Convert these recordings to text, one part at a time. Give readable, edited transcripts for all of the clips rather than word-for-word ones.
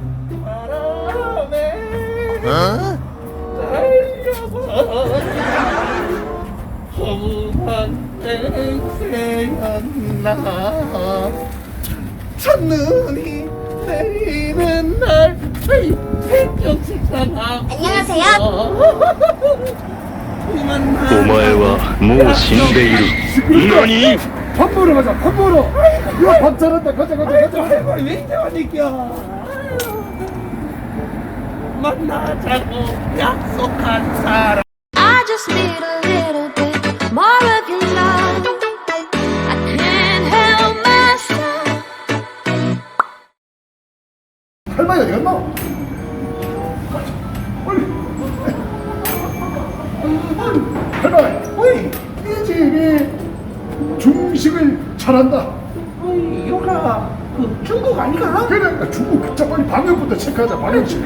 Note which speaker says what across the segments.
Speaker 1: 어?
Speaker 2: 허무한 땡새였나 첫눈이 내리는 날 백경식사나
Speaker 3: 안녕하세요.
Speaker 1: お前はもう死んでいる。何？
Speaker 4: 밥 먹으러 가자. 밥 먹으러. 야, 밥 잘한다. 가자.
Speaker 2: 할머니 왜 이제 왔니까 만나자고 약속한 사람
Speaker 3: I just need a little bit more of your love. I can't help myself.
Speaker 4: 할머니 어디 갔나? 빨리. 할머니. 어이, 이 집이 중식을 잘한다.
Speaker 2: 어이 요가 그 중국 아니가?
Speaker 4: 그러니까 중국. 자, 빨리 방역부터 체크하자. 방역 체크.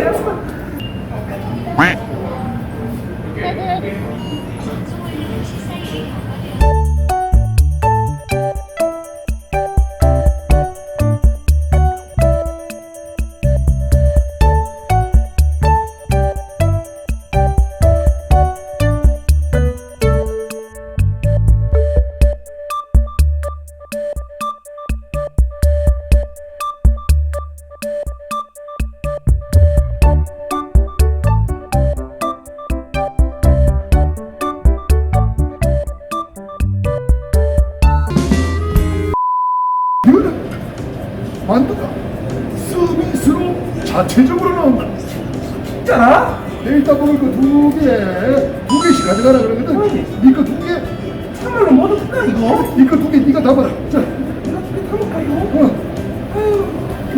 Speaker 4: 이거는 만두가 서비스로 자체적으로 나온다.
Speaker 2: 진짜나?
Speaker 4: 일단 먹을 거 두 개씩 가져가라 그러거든. 니거 두 개,
Speaker 2: 정말로 못 얻을까 이거?
Speaker 4: 니거 두 개, 니가 다 받아. 자,
Speaker 2: 내가 두개 타볼까요?
Speaker 4: 어.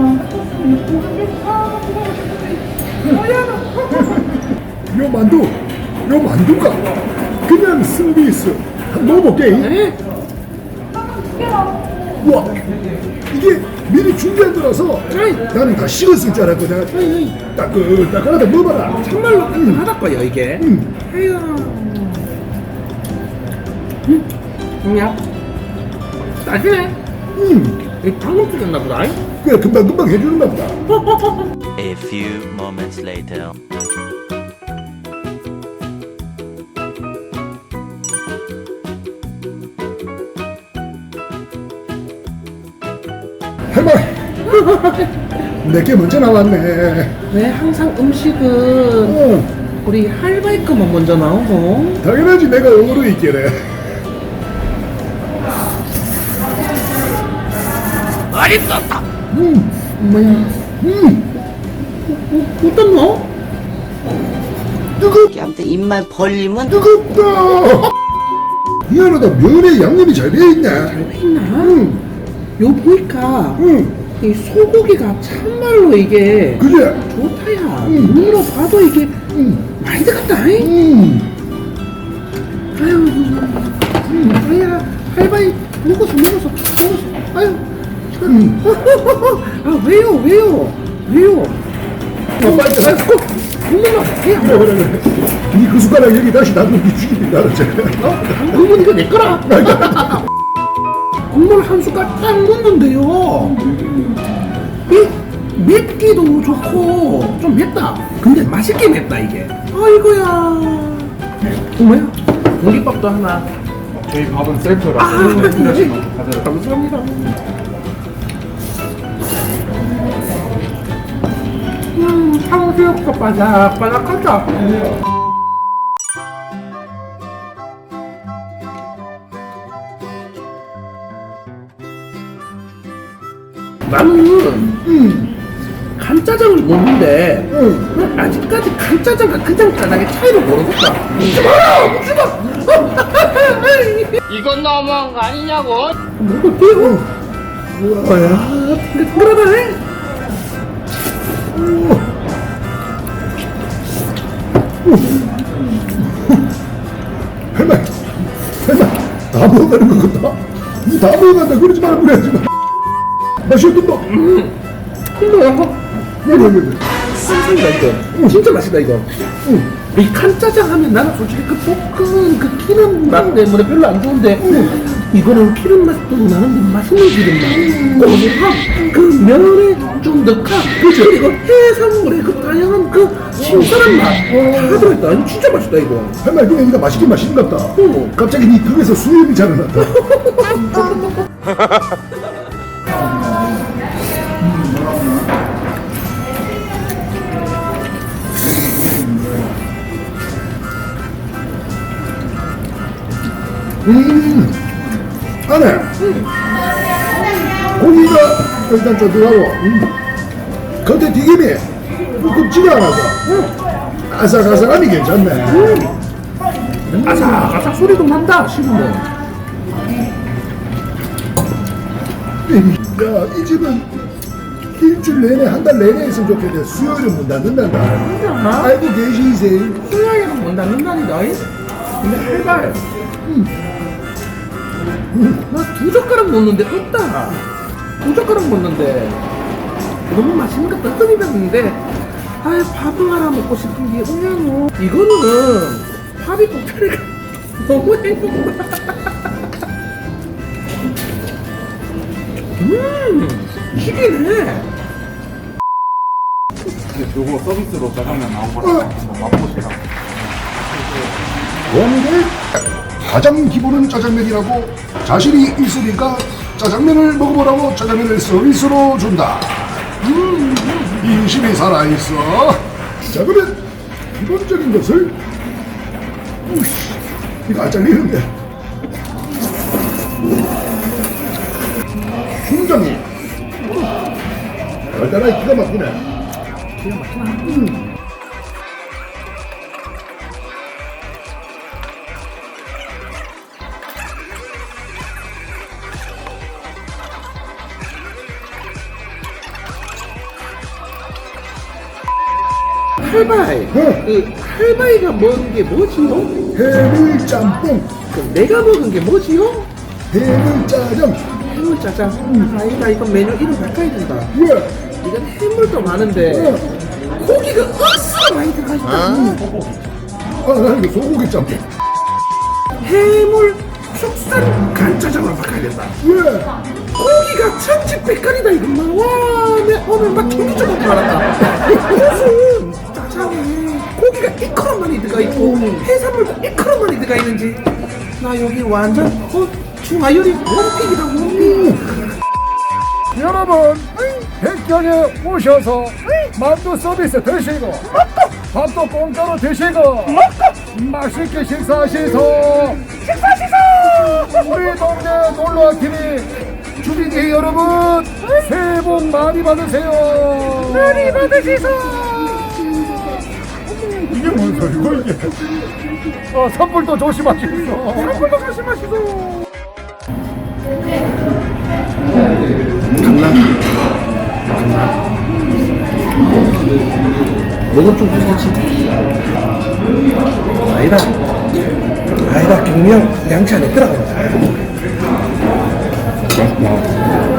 Speaker 4: 요 만두가 그냥 서비스. 한번 먹어볼게.
Speaker 2: 네?
Speaker 4: 와, 이게 미리 준비한 거라서 나는 다 식었을 줄 알았거든. 따끈따끈하다. 먹어봐라.
Speaker 2: 정말로 하다꺼요 이게 아유 야 따지네 이 방금 찍었나 보다
Speaker 4: 그래, 금방 해주는가 보다.
Speaker 1: A few moments later.
Speaker 4: 할머니, 내게 먼저 나왔네.
Speaker 2: 왜 항상 음식은
Speaker 4: 어,
Speaker 2: 우리 할바이 거만 먼저 나오고
Speaker 4: 당연하지. 내가 어로 있기래.
Speaker 2: 맛있었다
Speaker 4: 음,
Speaker 2: 뭐야 어떤 너?
Speaker 5: 아무튼 입만 벌리면
Speaker 4: 뜨겁다. 미안하다. 면에 양념이 잘 배어있네.
Speaker 2: 있나? 요 보니까 이 소고기가 참말로 이게
Speaker 4: 그래.
Speaker 2: 좋다야 눈으로 봐도 이게 많이 들어갔다 아유 아야 할바이 먹었어 아유 아 왜요
Speaker 4: 빨리 가.
Speaker 2: 국물만
Speaker 4: 그래. 니 그 숟가락 여기 다시 놔두기 죽이는 줄 알았지.
Speaker 2: 국물 이거 내 거라 국물 한 숟갈 딱 넣는데요 이 맵기도 좋고 좀 맵다 근데 맛있게 맵다 이게 아이고야 뭐야 공깃밥도 하나
Speaker 4: 저희 밥은 셀프라.
Speaker 2: 감사합니다 탕수육도 바삭바삭하다 나는 간짜장을 먹는데 아직까지 간짜장과 그냥 짜장의 차이를 모르겠다 묻지마
Speaker 6: 이건 너무한 거 아니냐고?
Speaker 2: 먹을게요 뭐야 그러네
Speaker 4: 할머니, 다 먹어가는 거 같다. 니 다 먹어간다. 그러지 말고 그래야지. 맛이 어떤가?
Speaker 2: 뭐야 쌍쌍이다 이거 진짜 맛있다 이거 이 간짜장 하면 나는 솔직히 그 볶은 그 기름 맛 때문에 별로 안 좋은데 이거는 기름 맛도 나는데 맛있는 기름 맛. 고소함, 그 면의 쫀득함, 그리고 해산물의 그 다양한 그 신선한 맛. 다 들어있다. 이거 진짜 맛있다, 이거.
Speaker 4: 할머니 그냥 이거 맛있긴 맛있는 것 같다. 갑자기 네 턱에서 수염이 자라났다. 안에 고기가 일단 쫀득하고 겉에 튀김이 굽지가 않아서 아삭아삭함이 괜찮네.
Speaker 2: 아삭아삭 소리도 난다, 씹으면.
Speaker 4: 야, 이 집은 일주일 내내 한 달 내내 있으면 좋겠는데 수요일은 문 닫는단다. 알고 계시세요?
Speaker 2: 수요일은 못 닫는다니다. 근데 할발. 나 2젓가락 먹는데 없다. 2젓가락 먹는데 너무 맛있는 것 같다. 뜸이 됐는데 아이 밥을 하나 먹고 싶은 게 뭐냐고. 이거는 밥이 꼭다리가 너무 행복하다. 튀기네.
Speaker 5: 요거 서비스로 짜장면 나온 거랑 한번 맛보시라고.
Speaker 4: 원래 가장 기본은 짜장면이라고 자신이 있으니까 짜장면을 먹어보라고 짜장면을 서비스로 준다. 인심이 살아있어. 자, 그러면 기본적인 것을 이거 안 잘리는데 순정이 달달하게 기가 막히네.
Speaker 2: 기가 막히나? 할바이. 그 할바이가 먹은 게 뭐지요?
Speaker 4: 해물짬뽕,
Speaker 2: 그 내가 먹은 게 뭐지요?
Speaker 4: 해물짜장.
Speaker 2: 해물짜장. 아니다, 이건 메뉴 이름 바꿔야 된다.
Speaker 4: 왜?
Speaker 2: 이건 해물도 많은데 고기가 억수로 많이 들어가 있다.
Speaker 4: 아, 나는 이거 소고기 짬뽕.
Speaker 2: 해물 숙산 간짜장으로 바꿔야 된다.
Speaker 4: 왜?
Speaker 2: 고기가 천지백깔이다 이것만. 와, 내 오늘 막 청기장 먹고 말았다. 무슨 짜장에 고기가 이처럼 많이 들어가 있고 해산물도 이처럼 많이 들어가 있는지 나 여기 완전 중화요리 원픽이다, 원픽.
Speaker 6: 여러분 백경에 오셔서 만두 서비스 드시고 밥도 공짜로 드시고 맛있게 식사하시소. 우리 동네 놀러와TV 주민이 여러분 새해 복 많이 받으세요. 많이 받으시소. 이게 뭔 소리고 이게. 선불도 조심하시소. 선불도 조심하시소.
Speaker 2: 너도 좀 무섭지? 아니다 경량 양치 안에 들어간다.